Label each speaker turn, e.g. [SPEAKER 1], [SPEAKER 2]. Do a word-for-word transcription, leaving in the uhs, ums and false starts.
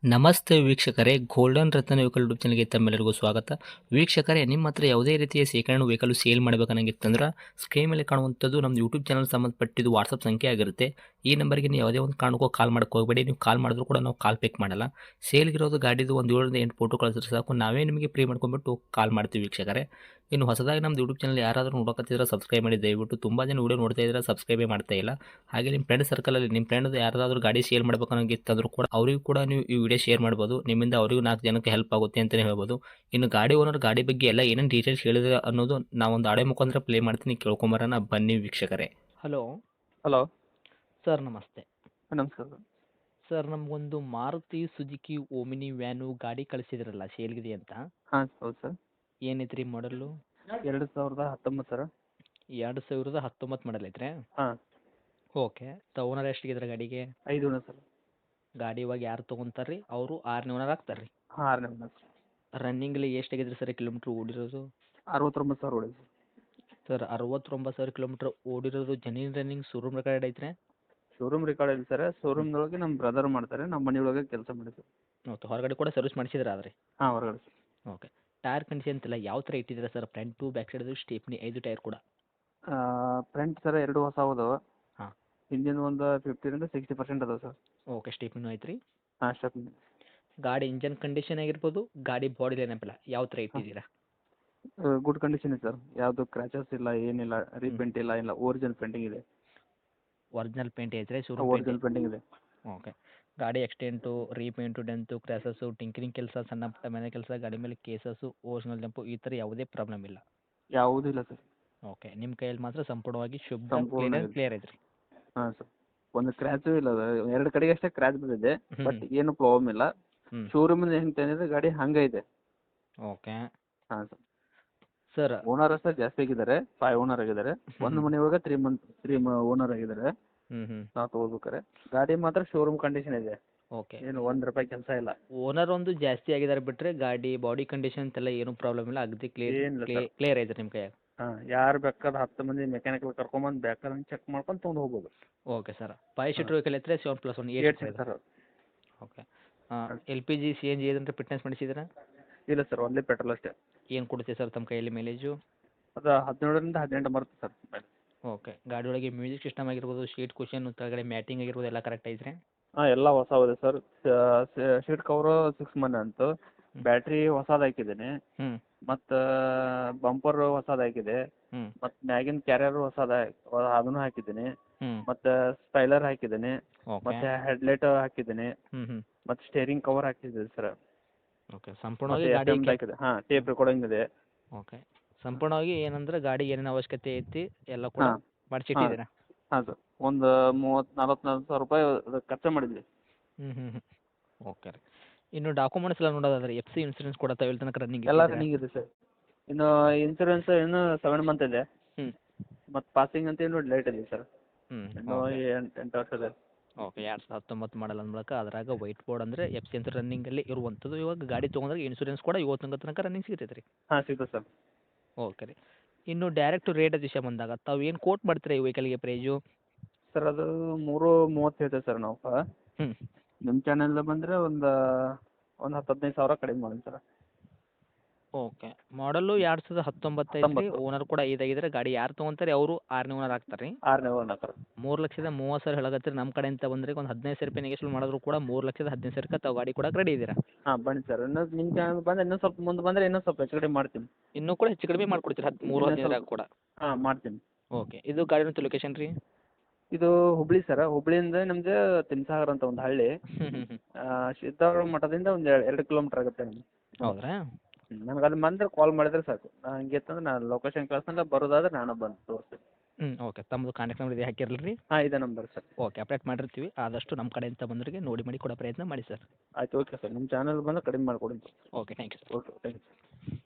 [SPEAKER 1] ನಮಸ್ತೆ ವೀಕ್ಷಕರೇ, ಗೋಲ್ಡನ್ ರತ್ನ vehicle YouTube ಚಾನಲ್ಗೆ ತಮ್ಮೆಲ್ಲರಿಗೂ ಸ್ವಾಗತ. ವೀಕ್ಷಕರೇ, ನಿಮ್ಮ ಹತ್ರ ಯಾವುದೇ ರೀತಿಯ ಶೇಖರಣೆ ವೆಹಿಕಲ್ ಸೇಲ್ ಮಾಡಬೇಕನ್ನಂಗಿತ್ತಂದ್ರೆ ಸ್ಕ್ರೀನ್ ಮೇಲೆ ಕಾಣುವಂಥದ್ದು ನಮ್ಮ ಯೂಟ್ಯೂಬ್ ಚಾನಲ್ ಸಂಬಂಧಪಟ್ಟಿದ್ದು ವಾಟ್ಸಪ್ ಸಂಖ್ಯೆ ಆಗಿರುತ್ತೆ. ಈ ನಂಬರ್ಗೆ ನೀವು ಯಾವುದೇ ಒಂದು ಕಾರಣಕ್ಕೂ ಕಾಲ್ ಮಾಡಕ್ಕೆ ಹೋಗಬೇಡಿ. ನೀವು ಕಾಲ್ ಮಾಡಿದ್ರು ಕೂಡ ನಾವು ಕಾಲ್ ಪಿಕ್ ಮಾಡಲ್ಲ. ಸೇಲ್ಗಿರೋದು ಗಾಡಿದು ಒಂದು ಏಳರಿಂದ ಎಂಟು ಫೋಟೋ ಕಳಿಸಿದ್ರೆ ಸಾಕು, ನಾವೇ ನಿಮಗೆ ಪ್ರೀ ಮಾಡ್ಕೊಂಡ್ಬಿಟ್ಟು ಕಾಲ್ ಮಾಡ್ತೀವಿ ವೀಕ್ಷಕರೇ. ಇನ್ನು ಹೊಸದಾಗಿ ನಮ್ಮದು ಯೂಟ್ಯೂಬ್ ಚಾನಲ್ ಯಾರಾದರೂ ನೋಡೋಕತ್ತಿದ್ರೆ ಸಬ್ಸ್ಕ್ರೈಬ್ ಮಾಡಿ ದಯವಿಟ್ಟು. ತುಂಬ ಜನ ವೀಡಿಯೋ ನೋಡ್ತಾ ಇದ್ದಾರೆ, ಸಬ್ಸ್ಕ್ರೈಬೇ ಮಾಡ್ತಾ ಇಲ್ಲ. ಹಾಗೆ ನಿಮ್ಮ ಫ್ರೆಂಡ್ ಸರ್ಕಲಲ್ಲಿ ನಿಮ್ಮ ಫ್ರೆಂಡ್ ಯಾರಾದರೂ ಗಾಡಿ ಸೇಲ್ ಮಾಡ್ಬೇಕನ್ನೋಂಗಿತ್ತಂದ್ರೂ ಕೂಡ ಅವರಿಗೂ ಕೂಡ ನೀವು ಈ ವಿಡಿಯೋ ಶೇರ್ ಮಾಡ್ಬೋದು. ನಿಮ್ಮಿಂದ ಅವರಿಗೂ ನಾಲ್ಕು ಜನಕ್ಕೆ ಹೆಲ್ಪ್ ಆಗುತ್ತೆ ಅಂತಲೇ ಹೇಳ್ಬೋದು. ಇನ್ನು ಗಾಡಿ ಓನರ್ ಗಾಡಿ ಬಗ್ಗೆ ಎಲ್ಲ ಏನೇನು ಡೀಟೇಲ್ಸ್ ಹೇಳಿದ್ರೆ ಅನ್ನೋದು ನಾವೊಂದು ಆಡೆ ಮುಖಾಂತರ ಪ್ಲೇ ಮಾಡ್ತೀನಿ, ಕೇಳ್ಕೊಂಬರೋಣ ಬನ್ನಿ ವೀಕ್ಷಕರೇ. ಹಲೋ
[SPEAKER 2] ಹಲೋ
[SPEAKER 1] ಸರ್, ನಮಸ್ತೆ.
[SPEAKER 2] ನಮಸ್ಕಾರ ಸರ್.
[SPEAKER 1] ಸರ್, ನಮಗೊಂದು ಮಾರುತಿ ಸುಜುಕಿ ಓಮಿನಿ ವ್ಯಾನು ಗಾಡಿ ಕಳಿಸಿದ್ರಲ್ಲ, ಸೇಲ್ಗಿದೆ ಅಂತ.
[SPEAKER 2] ಹಾಂ ಹೌದು ಸರ್.
[SPEAKER 1] ಏನೈತ್ರಿ ಮಾಡಲು?
[SPEAKER 2] ಎರಡು ಸಾವಿರದ ಹತ್ತೊಂಬತ್ತು ಸರ್.
[SPEAKER 1] ಎರಡು ಸಾವಿರದ ಹತ್ತೊಂಬತ್ತು ಮಾಡಲ್ ಐತ್ರಿ?
[SPEAKER 2] ಹಾಂ
[SPEAKER 1] ಓಕೆ. ಓನರ್ ಎಷ್ಟಿಗಿದ್ರೆ ಗಾಡಿಗೆ?
[SPEAKER 2] ಐದು ಓನರ್ ಸರ್.
[SPEAKER 1] ಗಾಡಿ ಇವಾಗ ಯಾರು ತೊಗೊಂತಾರೆ ರೀ, ಅವರು ಆರನೇ ಓನರ್ ಆಗ್ತಾರೆ ರೀ?
[SPEAKER 2] ಹಾಂ ಆರನೇ ಓನರ್ ಸರ್.
[SPEAKER 1] ರನ್ನಿಂಗ್ಲಿ ಎಷ್ಟಾಗಿದ್ರಿ ಸರ್ ಕಿಲೋಮೀಟ್ರ್ ಓಡಿರೋದು?
[SPEAKER 2] ಅರವತ್ತೊಂಬತ್ತು ಸಾವಿರ ಹೊಡಿದೆ ಸರ್.
[SPEAKER 1] ಸರ್, ಅರವತ್ತೊಂಬತ್ತು ಸಾವಿರ ಕಿಲೋಮೀಟ್ರ್ ಓಡಿರೋದು ಜೆನ್ಯೂನ್ ರನ್ನಿಂಗ್ ಶೋರೂಮ್ ರೆಕಾರ್ಡ್ ಐತ್ರಿ?
[SPEAKER 2] ಶೋರೂಮ್ ರೆಕಾರ್ಡ್ ಇಲ್ಲ ಸರ್. ಶೋರೂಮ್ದೊಳಗೆ ನಮ್ಮ ಬ್ರದರ್ ಮಾಡ್ತಾರೆ, ನಮ್ಮ ಮನೆಯೊಳಗೆ ಕೆಲಸ ಮಾಡಿ ಸರ್.
[SPEAKER 1] ಓಕೆ. ಹೊರಗಡೆ ಕೂಡ ಸರ್ವಿಸ್ ಮಾಡಿಸಿದ್ರೆ ಆದರೆ?
[SPEAKER 2] ಹಾಂ ಹೊರಗಡೆ ಸರ್.
[SPEAKER 1] ಓಕೆ. ಟೈರ್ ಕಂಡೀಷನ್ ಅಂತೆಲ್ಲ ಯಾವ ಥರ ಇಟ್ಟಿದ್ದೀರಾ sir? Front to back side stepney ಐದು ಟೈರ್ ಕೂಡ?
[SPEAKER 2] ಫ್ರಂಟ್ ಸರ್ ಎರಡು ಹೊಸ ಅದಾವೆ.
[SPEAKER 1] ಹಾಂ.
[SPEAKER 2] ಹಿಂದಿನ ಒಂದು ಫಿಫ್ಟಿರಿಂದ ಸಿಕ್ಸ್ಟಿ ಪರ್ಸೆಂಟ್ ಅದಾವೆ ಸರ್.
[SPEAKER 1] ಓಕೆ. ಸ್ಟೇಪ್ನಿನೂ ಐತ್ರಿ?
[SPEAKER 2] ಹಾಂ ಸ್ಟೆಪ್.
[SPEAKER 1] ಗಾಡಿ ಇಂಜನ್ ಕಂಡೀಷನ್ ಆಗಿರ್ಬೋದು, ಗಾಡಿ ಬಾಡಿ ಲೈನಪ್ಪಲ್ಲ ಯಾವ ಥರ
[SPEAKER 2] ಹಾಂ
[SPEAKER 1] ಇಟ್ಟಿದ್ದೀರಾ?
[SPEAKER 2] ಗುಡ್ ಕಂಡೀಷನ್ ಇದೆ ಸರ್. ಯಾವುದು ಕ್ರ್ಯಾಚಸ್ ಇಲ್ಲ, ಏನಿಲ್ಲ, ರೀಪೇಂಟ್ ಇಲ್ಲ, ಇಲ್ಲ ಒರಿಜಿನಲ್ ಪೇಂಟಿಂಗ್ ಇದೆ.
[SPEAKER 1] ಒರಿಜಿನಲ್ ಪೇಂಟ್ ಐತ್ರಿ? Showroom paint?
[SPEAKER 2] ಒರಿಜಿನಲ್ ಪೇಂಟಿಂಗ್ ಇದೆ.
[SPEAKER 1] ಓಕೆ. ಗಾಡಿ accident, repaint, dent, scratches, tinkering ಕೆಲಸ, ಸಣ್ಣ ಪುಟ್ಟ ಮನೆ ಕೆಲಸ, ಗಾಡಿ ಮೇಲೆ ಕೇಸಸ್ಸು, ಓರಿಜಿನಲ್ ಜಂಪು ಈ ಥರ ಯಾವುದೇ ಪ್ರಾಬ್ಲಮ್ ಇಲ್ಲ?
[SPEAKER 2] ಯಾವುದೂ ಇಲ್ಲ ಸರ್.
[SPEAKER 1] ಓಕೆ. ನಿಮ್ಮ ಕೈಯಲ್ಲಿ ಮಾತ್ರ ಸಂಪೂರ್ಣವಾಗಿ ಶುದ್ಧ
[SPEAKER 2] ಸಂಪೂರ್ಣ
[SPEAKER 1] ಕ್ಲೀನ್
[SPEAKER 2] ಇದೆ.
[SPEAKER 1] ಕ್ಲಿಯರ್ ಐತ್ರಿ?
[SPEAKER 2] ಹಾಂ ಸರ್. ಒಂದು ಕ್ರ್ಯಾಚು ಇಲ್ಲ, ಎರಡು ಕಡೆಗೆ ಅಷ್ಟೇ ಕ್ರ್ಯಾಚ್ ಬಂದಿದೆ,
[SPEAKER 1] ಹ್ಞೂ
[SPEAKER 2] ಬಟ್ ಏನು ಪ್ರಾಬ್ಲಮ್ ಇಲ್ಲ.
[SPEAKER 1] ಹ್ಞೂ
[SPEAKER 2] ಶೋರೂಮಿಂದ ಹೆಂಗೆ ತಂದಿದ್ರೆ ಗಾಡಿ ಹಂಗೆ ಇದೆ.
[SPEAKER 1] ಓಕೆ.
[SPEAKER 2] ಹಾಂ ಸರ್.
[SPEAKER 1] ಸರ್.
[SPEAKER 2] ಓನರ್ ಅಷ್ಟೇ ಜಾಸ್ತಿ ಆಗಿದ್ದಾರೆ, ಫೈವ್ ಓನರ್ ಆಗಿದ್ದಾರೆ. ಒಂದು ಮನೆಯೊಳಗೆ ತ್ರೀ ಮಂತ್ ತ್ರೀ ಓನರ್ ಆಗಿದ್ದಾರೆ
[SPEAKER 1] ಹ್ಞೂ ಹ್ಞೂ
[SPEAKER 2] ನಾವು ತೊಗೋಬೇಕಾರೆ. ಗಾಡಿ ಮಾತ್ರ ಶೋರೂಮ್ ಕಂಡೀಷನ್ ಇದೆ,
[SPEAKER 1] ಓಕೆ.
[SPEAKER 2] ಏನು ಒಂದು ರೂಪಾಯಿ ಕೆಲಸ ಇಲ್ಲ.
[SPEAKER 1] ಓನರ್ ಒಂದು ಜಾಸ್ತಿ ಆಗಿದ್ದಾರೆ ಬಿಟ್ಟರೆ ಗಾಡಿ ಬಾಡಿ ಕಂಡೀಷನ್ ಅಂತೆಲ್ಲ ಏನೂ ಪ್ರಾಬ್ಲಮ್ ಇಲ್ಲ, ಅಗದಿ ಕ್ಲಿಯರ್
[SPEAKER 2] ಏನಿಲ್ಲ
[SPEAKER 1] ಕ್ಲಿಯರ್
[SPEAKER 2] ಸರ್.
[SPEAKER 1] ಕ್ಲಿಯರ್ ಐತೆ ನಿಮ್ಮ ಕೈಯಾಗ?
[SPEAKER 2] ಹಾಂ, ಯಾರು ಬೇಕಾದ್ರೆ ಹತ್ತು ಮಂದಿ ಮೆಕ್ಯಾನಿಕಲ್ ಕರ್ಕೊಂಬಂದು ಬೇಕಾದ್ರೆ ಚೆಕ್ ಮಾಡ್ಕೊಂಡು ತೊಗೊಂಡು ಹೋಗ್ಬೋದು.
[SPEAKER 1] Okay sir. Five seater vehicle ಐತ್ರಿ? Seven plus one eight
[SPEAKER 2] eight seat sir.
[SPEAKER 1] Okay. L P G C N G ಏನಾರ ಫಿಟ್ನೆಸ್ ಮಾಡಿಸಿದ್ದೀರಾ?
[SPEAKER 2] ಇಲ್ಲ ಸರ್, ಓನ್ಲಿ ಪೆಟ್ರೋಲ್ ಅಷ್ಟೇ.
[SPEAKER 1] ಏನು ಕೊಡುತ್ತೆ ಸರ್ ತಮ್ಮ ಕೈಯಲ್ಲಿ ಮೈಲೇಜು?
[SPEAKER 2] ಅದು ಹದಿನೇಳರಿಂದ ಹದಿನೆಂಟು ಬರುತ್ತೆ ಸರ್.
[SPEAKER 1] ಓಕೆ. ಗಾಡಿ ಒಳಗೆ ಮ್ಯೂಸಿಕ್ ಸಿಸ್ಟಮ್ ಆಗಿರ್ಬೋದು, ಸೀಟ್ ಕುಷನ್, ಕೆಳಗಡೆ ಮ್ಯಾಟಿಂಗ್ ಆಗಿರ್ಬೋದು, ಎಲ್ಲ ಕರೆಕ್ಟ್ ಐತ್ರಿ?
[SPEAKER 2] ಹಾಂ ಎಲ್ಲ ಹೊಸವಿದೆ sir. Seat cover six month ಅಂತು, ಬ್ಯಾಟ್ರಿ ಹೊಸದು ಹಾಕಿದ್ದೀನಿ,
[SPEAKER 1] ಹ್ಞೂ
[SPEAKER 2] ಮತ್ತು ಬಂಪರ್ ಹೊಸದು ಹಾಕಿದೆ,
[SPEAKER 1] ಹ್ಞೂ
[SPEAKER 2] ಮತ್ತು ಮ್ಯಾಗಿನ ಕ್ಯಾರಿಯರ್ ಹೊಸದು ಅದನ್ನು ಹಾಕಿದ್ದೀನಿ,
[SPEAKER 1] ಹ್ಞೂ
[SPEAKER 2] ಮತ್ತು ಸ್ಪೈಲರ್ ಹಾಕಿದ್ದೀನಿ,
[SPEAKER 1] ಓಕೆ.
[SPEAKER 2] ಮತ್ತು ಹೆಡ್ಲೈಟ್ ಹಾಕಿದ್ದೀನಿ,
[SPEAKER 1] ಹ್ಞೂ ಹ್ಞೂ
[SPEAKER 2] ಮತ್ತು ಸ್ಟೇರಿಂಗ್ ಕವರ್ ಹಾಕಿದ್ದೀನಿ ಸರ್.
[SPEAKER 1] ಓಕೆ.
[SPEAKER 2] ಮತ್ತು
[SPEAKER 1] ಸಂಪೂರ್ಣವಾಗಿ
[SPEAKER 2] ಎಫ್
[SPEAKER 1] ಗಾಡಿ
[SPEAKER 2] ಎಮ್
[SPEAKER 1] ಕೆ-
[SPEAKER 2] ಹಾಕಿದೆ. ಹಾಂ, ಟೇಪ್ ರೆಕಾರ್ಡಿಂಗ್ ಇದೆ.
[SPEAKER 1] ಓಕೆ. ಸಂಪೂರ್ಣವಾಗಿ ಏನಂದ್ರೆ ಗಾಡಿ ಏನೇನು ಅವಶ್ಯಕತೆ ಐತಿ ಎಲ್ಲ ಕೂಡ
[SPEAKER 2] ಹಾಂ ಹಾಂ
[SPEAKER 1] ಮಾಡಿಸಿಟ್ಟಿದ್ದೀರಾ?
[SPEAKER 2] ಹಾಂ ಸರ್. ಒಂದು ಮೂವತ್ತು ನಲ್ವತ್ತು ನಲ್ವತ್ತು ಸಾವಿರ ರೂಪಾಯಿ ಅದಕ್ಕೆ ಖರ್ಚು ಮಾಡಿದ್ವಿ.
[SPEAKER 1] ಹ್ಞೂ ಹ್ಞೂ ಹ್ಞೂ ಓಕೆ ರೀ. ಇನ್ನು ಡಾಕ್ಯುಮೆಂಟ್ಸ್ ಎಲ್ಲ ನೋಡೋದಾದ್ರೆ ಎಫ್ ಸಿ ಇನ್ಸೂರೆನ್ಸ್ ಕೂಡ ತಾವು ತನಕ ರನ್ನಿಂಗ್
[SPEAKER 2] ಎಲ್ಲ
[SPEAKER 1] ಇಟ್ಟಿದ್ದೀರಾ?
[SPEAKER 2] ರನ್ನಿಂಗ್ ಇದೆ ಸರ್. ಇನ್ನು ಇನ್ಸೂರೆನ್ಸ್ ಇನ್ನೂ ಸೆವೆನ್ ಮಂತ್ ಇದೆ,
[SPEAKER 1] ಹ್ಞೂ
[SPEAKER 2] ಮತ್ತು ಪಾಸಿಂಗ್ ಅಂತ ಇನ್ನೂ ಲೇಟ್ ಇದೆ ಸರ್.
[SPEAKER 1] ಹ್ಞೂ
[SPEAKER 2] ಇನ್ನೂ
[SPEAKER 1] ಓಕೆ.
[SPEAKER 2] ಎಂಟು ಎಂಟು ವರ್ಷ ಇದೆ.
[SPEAKER 1] ಓಕೆ. ಎರಡು ಸಾವಿರದ ಹತ್ತೊಂಬತ್ತು ಮಾಡಲ್ ಅಂದ್ಬಳಕ ಅದ್ರಾಗ ವೈಟ್ ಬೋರ್ಡ್ ಅಂದರೆ ಎಫ್ ಸಿ ಅಂತ ರನ್ನಿಂಗಲ್ಲಿ ಇರುವಂಥದ್ದು. ಇವಾಗ ಗಾಡಿ ತೊಗೊಂಡ್ರೆ ಇನ್ಸೂರೆನ್ಸ್ ಕೂಡ ಇವತ್ತು ತಿಂಗಳ ತನಕ ರನ್ನಿಂಗ್ ಸಿಗ್ತೈತೆ ರೀ?
[SPEAKER 2] ಹಾಂ ಸಿಗ್ತದೆ ಸರ್.
[SPEAKER 1] ಓಕೆ ರೀ. ಇನ್ನು ಡೈರೆಕ್ಟ್ ರೇಟ್ ವಿಷಯ ಬಂದಾಗ ತಾವು ಏನು ಕೋಟ್ ಮಾಡ್ತೀರಾ ಈ ವೆಹಿಕಲ್ಗೆ ಪ್ರೈಜು?
[SPEAKER 2] ಸರ್ ಅದು ಮೂರು ಮೂವತ್ತು ಹೇಳ್ತೇವೆ ಸರ್ ನಾವು.
[SPEAKER 1] ಹ್ಞೂ
[SPEAKER 2] ನಿಮ್ಮ ಚಾನಲ್ ಬಂದರೆ ಒಂದು ಒಂದು ಹತ್ತು ಹದಿನೈದು ಸಾವಿರ ಕಡಿಮೆ ಮಾಡಿ ಸರ್.
[SPEAKER 1] ಓಕೆ. ಮಾಡಲು ಎರಡು ಸಾವಿರದ ಹತ್ತೊಂಬತ್ತು ಐತ್ರಿ.
[SPEAKER 2] ಹತ್ತೊಂಬತ್ತು.
[SPEAKER 1] ಓನರ್ ಕೂಡ ಐದಾಗಿದ್ರೆ ಗಾಡಿ ಯಾರು ತೊಗೊಂತಾರೆ ಅವರು ಆರನೇ ಓನರ್ ಆಗ್ತಾರೆ ರೀ?
[SPEAKER 2] ಆರನೇ ಓನರ್ ಸರ್.
[SPEAKER 1] ಮೂರು ಲಕ್ಷದ ಮೂವತ್ತು ಸಾವಿರ ಹೇಳಕತ್ತೀರಿ. ನಮ್ಮ ಕಡೆಯಿಂದ ಬಂದರೆ ಒಂದು ಹದಿನೈದು ಸಾವಿರ ರೂಪಾಯಿ ನೆಗೆಶ್ವಲ್ ಮಾಡಿದ್ರು ಕೂಡ ಮೂರು ಲಕ್ಷದ ಹದಿನೈದು ಸಾವಿರಕ್ಕೆ ತಾವು ಗಾಡಿ ಕೊಡಕ್ಕೆ ರೆಡಿ ಇದ್ದೀರಾ?
[SPEAKER 2] ಹಾಂ ಬನ್ನಿ ಸರ್. ಇನ್ನೂ ನಿಮ್ಮ ಚಾನಲ್ ಬಂದರೆ ಇನ್ನೂ ಸ್ವಲ್ಪ ಮುಂದೆ ಬಂದರೆ ಇನ್ನೂ ಸ್ವಲ್ಪ ಹೆಚ್ಚು ಕಡಿಮೆ ಮಾಡ್ತೀನಿ.
[SPEAKER 1] ಇನ್ನೂ ಕೂಡ ಹೆಚ್ಚು ಕಡಿಮೆ ಮಾಡ್ಕೊಡ್ತೀರಾ? ಹತ್ತು ಮೂರು
[SPEAKER 2] ಇನ್ನೂ
[SPEAKER 1] ಹದಿನೈದರಾಗ
[SPEAKER 2] ಸ್ವಲ್ಪ
[SPEAKER 1] ಕೂಡ?
[SPEAKER 2] ಹಾಂ ಮಾಡ್ತೀನಿ.
[SPEAKER 1] ಓಕೆ. ಇದು ಗಾಡಿನ ಲೊಕೇಶನ್ ರೀ?
[SPEAKER 2] ಇದು ಹುಬ್ಳಿ ಸರ್. ಹುಬ್ಳಿಯಿಂದ ನಮ್ಮದು ತಿಮ್ಸಾಗರ ಅಂತ ಒಂದು ಹಳ್ಳಿ,
[SPEAKER 1] ಹ್ಞೂ ಹ್ಞೂ ಹ್ಞೂ
[SPEAKER 2] ಸಿದ್ದಾರೂಢ ಮಠದಿಂದ ಒಂದು ಎರಡು ಕಿಲೋಮೀಟ್ರ್ ಆಗುತ್ತೆ ನಮ್ಗೆ.
[SPEAKER 1] ಹೌದ್ರಾ?
[SPEAKER 2] ನನಗೆ ಅಲ್ಲಿ ಬಂದರೆ ಕಾಲ್ ಮಾಡಿದರೆ ಸಾಕು. ನಾನು ಹಂಗೆ ಇತ್ತಂದ್ರೆ ನಾನು ಲೊಕೇಶನ್ ಕಳ್ಸಲ್ಲ, ಬರೋದಾದ್ರೆ ನಾನು ಬಂದು ತೋರಿಸ್ತೀನಿ.
[SPEAKER 1] ಹ್ಞೂ ಓಕೆ. ತಮ್ಮದು ಕಾಂಟ್ಯಾಕ್ಟ್ ನಂಬರ್ ಇದೆ ಹಾಕಿರಲ್ಲ ರೀ?
[SPEAKER 2] ಹಾಂ ಇದೇ ನಂಬರ್ ಸರ್.
[SPEAKER 1] ಓಕೆ. ಅಪ್ಡೇಟ್ ಮಾಡಿರ್ತೀವಿ. ಆದಷ್ಟು ನಮ್ಮ ಕಡೆಯಿಂದ ಬಂದವರಿಗೆ ನೋಡಿ ಮಾಡಿ ಕೊಡೋ ಪ್ರಯತ್ನ ಮಾಡಿ ಸರ್.
[SPEAKER 2] ಆಯ್ತು ಓಕೆ ಸರ್. ನಿಮ್ಮ ಚಾನಲ್ ಬಂದರೆ ಕಡಿಮೆ ಮಾಡಿಕೊಡಿ.
[SPEAKER 1] Okay. Thank you sir.
[SPEAKER 2] Okay thank you.